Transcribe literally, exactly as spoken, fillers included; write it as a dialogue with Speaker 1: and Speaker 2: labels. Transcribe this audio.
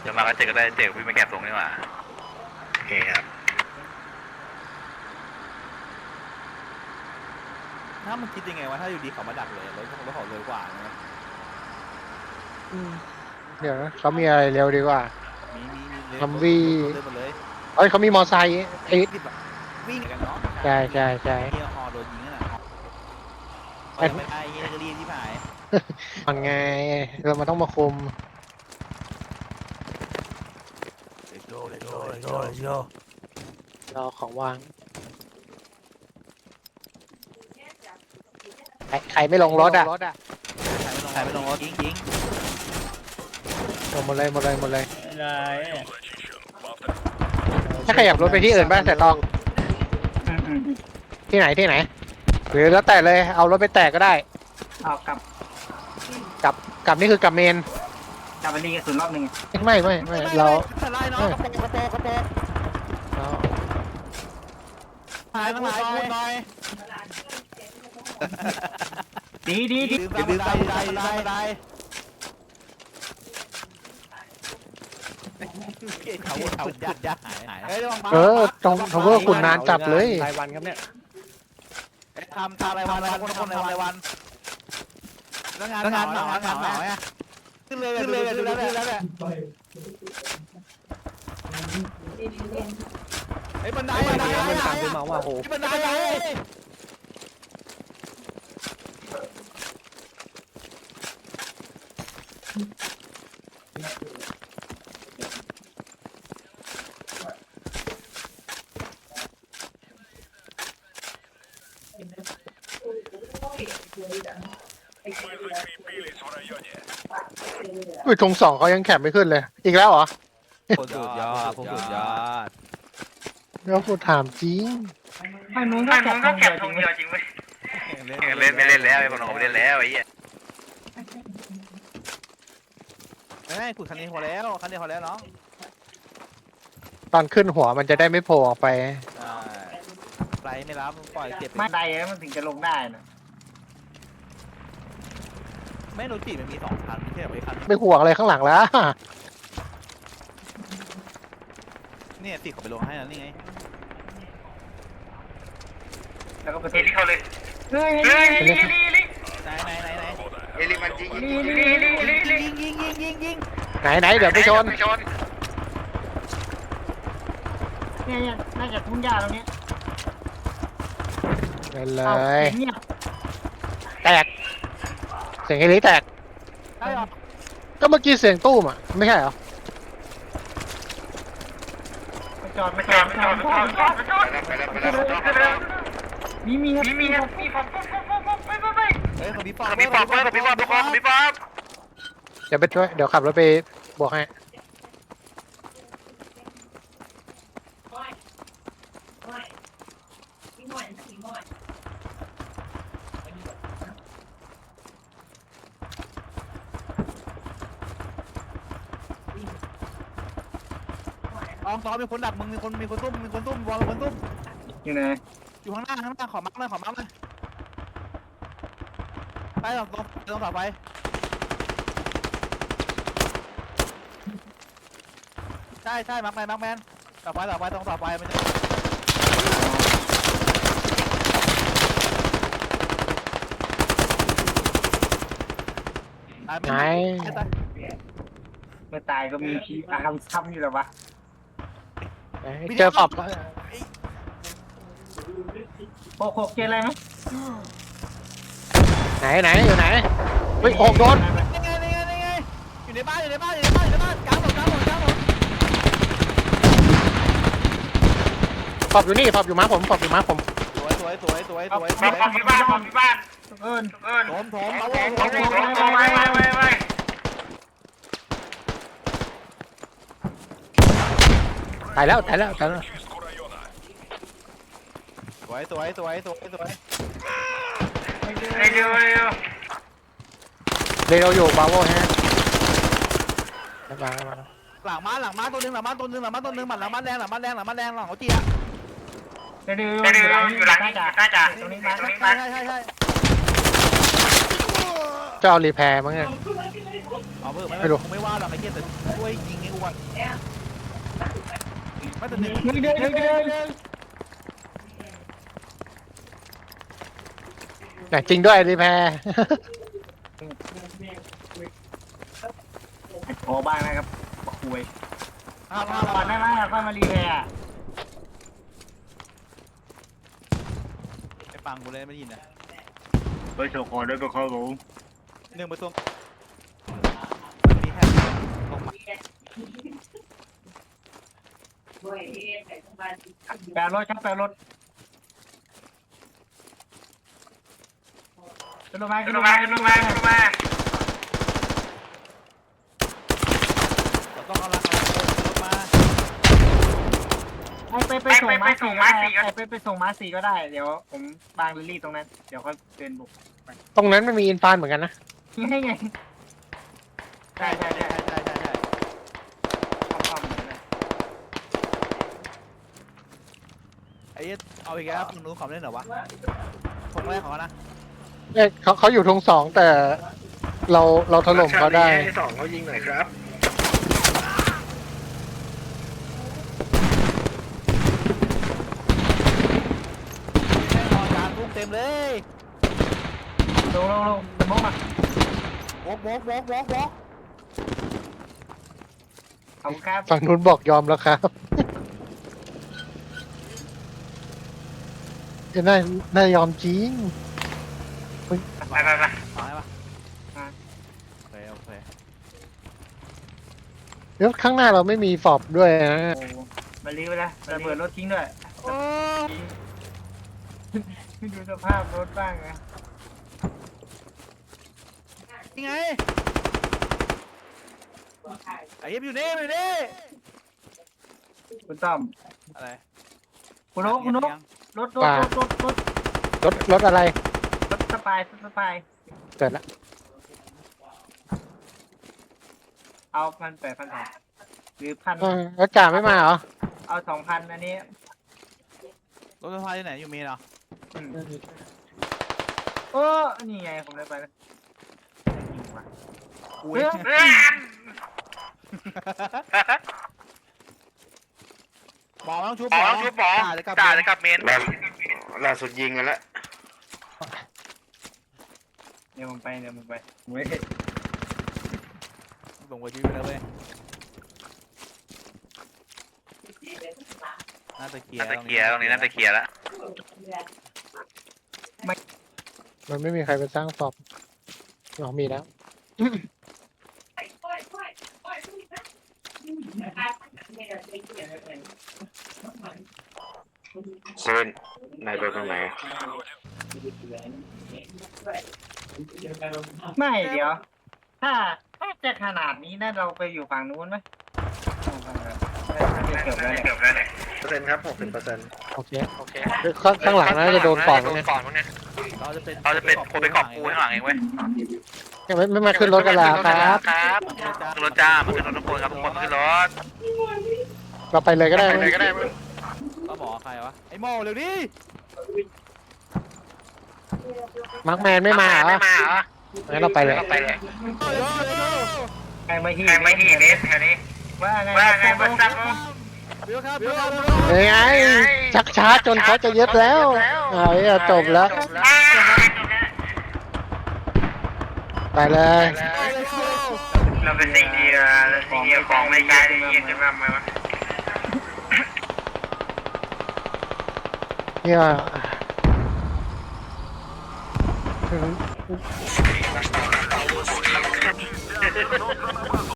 Speaker 1: จะมาก็เจอก็ได้เจอพี่ไม่แคบตรงนี้หว่าโอเคครับ
Speaker 2: ถ้ามันคิดยังไงวะถ้าอยู่ดีเขามาดักเลยรถรถเขาเร็วกว่านะ
Speaker 3: เดี๋ยวนะเขามีอะไรเร็วดีกว่า
Speaker 2: มีมีมี
Speaker 3: ทำวี่
Speaker 2: เร็วหมดเลย
Speaker 3: เอ้ยเขามีมอไซค์ไอ้
Speaker 2: วิ่งกันเนาะ
Speaker 3: ใช่ใช่ใช่
Speaker 2: เฮียฮอโดนยิงน่ะไปไม่ได้เฮียกรีที่ผาย
Speaker 3: มันไงเรามาต้องมาคุม
Speaker 2: เลโก้เลโก้เลโก้เลโก้
Speaker 3: รอของวางใครใครไม่ลงรถอ่ะ
Speaker 2: ใครไม่ลงรถยิงยิง
Speaker 3: ลงหมดเลยหมดเลยหมดเลย
Speaker 4: อะไร
Speaker 3: ถ้าขยับรถไปที่อื่นบ้างแต่ตองที่ไหนที่ไหนหรือแล้วแต่เลยเอารถไปแตกก็ได้
Speaker 4: เอากลับ
Speaker 3: กลับกลับนี่คือกลับเมน
Speaker 4: กลับไปรีกระสุนรอบหนึ่ง
Speaker 3: ไม่ไม่ไม่เรา
Speaker 2: ไล่เนาะกระโปรงกระโปรงกระโปรง
Speaker 3: เรา
Speaker 2: หายทั้งหลายพูดหน่อย
Speaker 4: ดีดีดี
Speaker 2: ดื่มได้ได้ได้ได้เขาเขายัดยัดหายหาย
Speaker 3: เออตรงทาวเวอร์ขุนนานจับเลย
Speaker 5: รายวันครับเนี่ย
Speaker 2: ทำทำรายวันรายวันคนคนทำรายวันแล้วงานงานเหนางานเหนาไงขึ้นเลยขึ้นเลยขึ้นแล้วขึ้นแล้วเนี่ยไอ้บันไดบันได
Speaker 5: มันตามขึ้นมาว่าโห
Speaker 2: บันได
Speaker 3: อุ้ยทงสองเขายังแข็งไม่ขึ้นเลย อีกแล้วเหรอ
Speaker 2: สุดยอดสุดยอด
Speaker 3: แล้วกูถามจริง
Speaker 4: ไม่นู้นก็แก็บทงเดียวจริงไหม
Speaker 1: เล่นไม่เล่นแล้วไอ้คนของไม่เล่นแล้วไอ้เหี้ย
Speaker 2: ไม่ขุดคันนี้พอแล้วคันนี้พอแล้วเนาะ
Speaker 3: ตอนขึ้นหัวมันจะได้ไม่โผล่ออกไป
Speaker 2: ไปไม่รับปล่อยเก็บ
Speaker 4: ไม่ได้แล้วมันถึงจะลงได้นะ
Speaker 2: ไม่รู้จีมันมีสองคันไม่ใช่ไปคัน
Speaker 3: ไม่ห่วงอะไรข้างหลังแล้ว
Speaker 2: เนี่ยติดเขาไปลงให้แล้วนี่ไง
Speaker 4: แล้วก็ไปเทเข้าเลยเฮ้ยเฮ้ย
Speaker 2: ไหนไหนไหนไหน
Speaker 1: เอลิมันยิงยิง
Speaker 2: ยิงยิงยิงยิงยิง
Speaker 3: ไหนไหนเดี๋ยวไปชน
Speaker 1: ชน
Speaker 4: เนี่ยน่าจะทุ่งหญ้าตรงนี้
Speaker 3: ไปเล
Speaker 4: เอา
Speaker 3: ย
Speaker 4: เงียบ
Speaker 3: แตก เสียงเฮลิแตก
Speaker 2: ใช่หรอ
Speaker 3: ก็เมื่อกี้เสียงตู้มอ่ะ ไม่ใช่เหรอ
Speaker 4: ไม่จอดไม่จอดไม่จอดไม่จอดไม่จอดไม่จอด
Speaker 1: ไปแล้วไปแล้วไปแล้ว
Speaker 4: มีมีครับมีมีครับมีผมไปไปไป
Speaker 2: เฮ้ยขบีปอ
Speaker 1: ขบีปอบขบีปอบทุกคนขบีปอบ
Speaker 3: เดี๋ยวไปช่วย เดี๋ยวขับรถไปบวกให้
Speaker 2: อองตอมีคนดักมึงมีคนมีคนตุ้มมีคนตุ้มวอลมีคนตุ้ม
Speaker 4: อยู่ไหน
Speaker 2: อยู่ข้างหน้าข้างหน้าขอมักเลยขอมักเลยไปตรงตรงตรงต่อไปใช่ใช่มักแมนมักแมนต่อไปต่อไปตรงต่อไปมันจะ
Speaker 3: ไหน
Speaker 4: เมื่อตายก็มีพีอาร์มซ้ำอยู่แล้ววะ
Speaker 3: ไหนเจอขอบ
Speaker 4: หกหกเจออะไรไหม
Speaker 3: ไหนไหนอยู่ไหนเฮ้ยโอกโดน
Speaker 2: นี่ไงนี่ไงนี่ไงอยู่ในบ้านอยู่ในบ้านอยู่ในบ้านอยู่ในบ้านกลางถนนกลางถนนกลางถนน
Speaker 3: ขอบอยู่นี่ขอบอยู่ม้าผมขอบอยู่ม้าผม
Speaker 2: สวยสวยสวยสวยสวยส
Speaker 4: ข
Speaker 2: ว
Speaker 4: อย บที่บ้านขอบที่บ้านเอิญเอิญ
Speaker 2: โถมโถมเอา
Speaker 4: โอ้
Speaker 2: เอา
Speaker 4: โห
Speaker 2: เอา
Speaker 4: ไปไปไปไป
Speaker 3: ตายแล้วตายแล้วตายแล้ว
Speaker 2: สวยสวยสวยสวยสวย
Speaker 4: เร็วเร็ว
Speaker 3: เรเราอยู่บาโวฮะแล้วมาแล้วมา
Speaker 2: หลังม้าหลังม้าตัวนึงหลังม้าตัวนึงหลังม้าตัวนึงหมัดหลังม้าแดงหลังม้าแดงหลังม้าแดงหลังเขาจีอะ
Speaker 4: เร็วเร็วอยู่หลังอยู่หลังจ่าจ่าจ่าตรงนี้มาตรงนี้
Speaker 2: ใช่
Speaker 4: มา
Speaker 2: ใช่ใช่ใช่
Speaker 3: จะเอารีแพร์มั้งเนี่ย
Speaker 2: เอาเพิ่มไม่
Speaker 3: ไม่รู้
Speaker 2: กูไม่ว่าหรอกไอ้เหี้ยแต่ช่วยยิงไอ้อ้วนไม่แต่หนึ่ง
Speaker 4: หนึ่งเดือนหนึ่งเดือน
Speaker 3: แต่จริงด้วยรีแพร
Speaker 4: โอ้บ้างนะครับคุย
Speaker 2: ห้าห้า
Speaker 4: ก่อนได้ไหมค่อยมารีแพร์
Speaker 2: ไปฟังกูเลยไม่ได้ยินนะ
Speaker 4: ไปโชว์ก่อนด้วยไปเข้าผม
Speaker 2: หนึ่งประตูมันมีแค่ลงมา
Speaker 4: แปลรถครับแปลรถขึ้นมาขึ้นมาขึ้นมาขึ้นมา
Speaker 2: เราต้องเอาละเอารถมา
Speaker 4: ไอไปไปส่งม้าสี่ก็ได้ไอไปไปส่งม้าสี่ก็ได้เดี๋ยวผมบางลิลลี่ตรงนั้นเดี๋ยวเขาเดินบุก
Speaker 3: ตรงนั้นมันมีอินฟานเหมือนกันนะ
Speaker 4: นี่ไงใช่
Speaker 2: ใช่
Speaker 4: ใช่
Speaker 2: ใช่
Speaker 4: ใช่
Speaker 2: ใช่ใช่ใช่
Speaker 4: คอมๆเลย
Speaker 2: ไอ้เหี้ยเอาอีกแล้วคุณรู้ความเล่นเหรอวะทงแรกของเขานะ
Speaker 3: เอ้ยเขาเขาอยู่ทงสองแต่เราเราถล่มเขาได้
Speaker 5: ให้สองเขายิงหน่อยครับ
Speaker 2: แม่งนอนกลางทุ่งเต็มเลย
Speaker 4: ลงลงลงสมองมาว
Speaker 2: กวกวกวกวก
Speaker 4: ขอบคุณครับ
Speaker 3: ฝั่งนู้นบอกยอมแล้วครับเอ้ยน่าน่ายอมจริง
Speaker 4: ไปไปไป
Speaker 2: มาให้ปะโอเคโอเค
Speaker 3: เดี๋ยวข้างหน้าเราไม่มีฟอบด้วยนะ
Speaker 4: โอ้มาลีไปแล้วระเบิดรถทิ้งด้วย
Speaker 2: โอ้
Speaker 4: ดูสภาพรถบ้างนะ
Speaker 2: ยังไงไอ้เหี้ยอยู่นี่อยู่นี่
Speaker 4: คุณต้อม
Speaker 2: อะไร
Speaker 4: คุณนกคุณนกรถรถรถรถรถ
Speaker 3: รถรถอะไร
Speaker 4: รถสปายรถสปาย
Speaker 3: เกิดละ
Speaker 4: เอาพันแปดพันสองหรือพัน
Speaker 3: เออรถจ่าไม่มาเหรอ
Speaker 4: เอาสองพันอันนี้
Speaker 2: รถไฟฟ้าที่ไหนอยู่มีเหรอ
Speaker 4: อืมโอ้นี่ไงผมได้ไปแล้ว
Speaker 2: กู
Speaker 4: เฮ้ย
Speaker 2: บอกต้องชุบ
Speaker 1: หมอต้องชุบหมอ
Speaker 2: จ่าจะกลับ
Speaker 1: จ่าจะกลับเมน
Speaker 5: ล่าล่าสุดยิงกันแล้ว
Speaker 4: เดี๋ยวผมไปเดี๋ยวผมไปเว้ย
Speaker 2: ส่งไปชีวิตไปแล้วเว้ยน่าจะเคลีย
Speaker 1: น่า
Speaker 2: ร์
Speaker 1: จะเคลียร์ตรงนี้น่าจะเคลียร์แล้ว
Speaker 3: มันไม่มีใครไปสร้างฟอบหรอมีแล้ว
Speaker 5: เซเว่นนายไปตรงไหน
Speaker 4: ไม่เดี๋ยว ถ้าถ้าจะขนาดนี้นะเราไปอยู่ฝั่งนู้นไหมเกือบแล้วเนี่ย
Speaker 1: เกือบแล้วเนี่ย
Speaker 5: เปอร์เซ็นต์ครับหกสิบเปอร์เซ็นต์
Speaker 3: โอเคโอเคข้างข้างหลังน่าจะโดนก่อนเนี่ย
Speaker 1: ก่อนพวกเนี้ย
Speaker 2: เราจะเป็น
Speaker 1: เราจะเป็นคนไปเกาะกูข้างหลังเองเว้ย
Speaker 3: ยังไม่ไม่มาขึ้นรถกันแล้วครับ
Speaker 1: ครับขึ้นรถจ้ามาขึ้นรถทุกคนครับทุกคนมาขึ้นรถ
Speaker 3: เราไปเลยก็ได้
Speaker 1: ไปเลยก็ได้มึง
Speaker 2: ก็บอกใครวะไอ้โม่เร็วดิ
Speaker 3: มาร์คแมนไม่มาเหรอ
Speaker 1: ไม่มาเหรอ
Speaker 3: งั้นเราไปเลย
Speaker 1: ไปเลย
Speaker 4: แข่งไปที่
Speaker 1: แข่งไปที่เนสแถวนี้
Speaker 4: ว่าไง
Speaker 1: ว่าไงบ้างครับ
Speaker 2: บิวครับบิวครับ
Speaker 3: เฮ้ยไงชักช้าจนเขาจะยึดแล้วเอาไอ้จบแล้ว ไปเลย
Speaker 1: เราเป็นสิ่งดีนะสิ่งเดียวของไม่ใช่ได้ยินกันบ้างไหมวะ
Speaker 3: เนี่ย